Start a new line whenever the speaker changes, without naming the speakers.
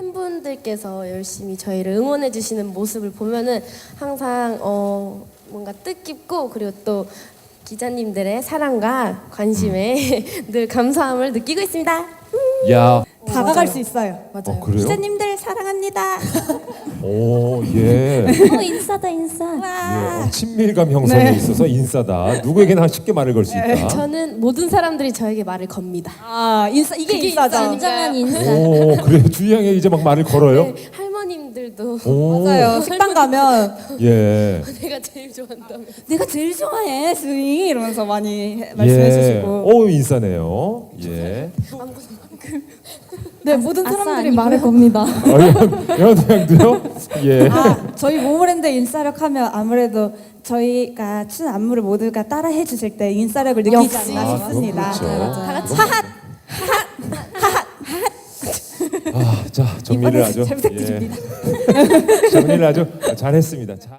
팬분들께서 열심히 저희를 응원해 주시는 모습을 보면은 항상 뭔가 뜻깊고 그리고 또 기자님들의 사랑과 관심에 늘 감사함을 느끼고 있습니다.
야,
다가갈 수 있어요.
맞아요.
그래요?
기자님들 사랑합니다.
오, 예.
인싸다 인싸.
예. 친밀감 형성에
네.
있어서 인싸다. 누구에게나 쉽게 말을 걸 수 있다.
저는 모든 사람들이 저에게 말을 겁니다.
아 인싸 이게
그게
인싸죠.
인싸니까요.
인싸.
오, 그래요. 주희양에 이제 막 말을 걸어요?
네, 할머님들도
오,
맞아요. 식당 가면
예.
내가 제일 좋아한다며.
내가 제일 좋아해 스윙 이러면서 많이 말씀해 주시고.
오, 인싸네요. 예.
네 모든 사람들이
아니고요.
말을 겁니다.
영도요? 예.
아 저희 모모랜드 인싸력 하면 아무래도 저희가 춘 안무를 모두가 따라해 주실 때 인싸력을 느끼지
역시.
않나
아,
싶습니다.
그건 그렇죠.
다 같이 하핫
아, 자, 정리를
이번에
아주
잘 부탁드립니다.
정리를 아주 잘했습니다. 자.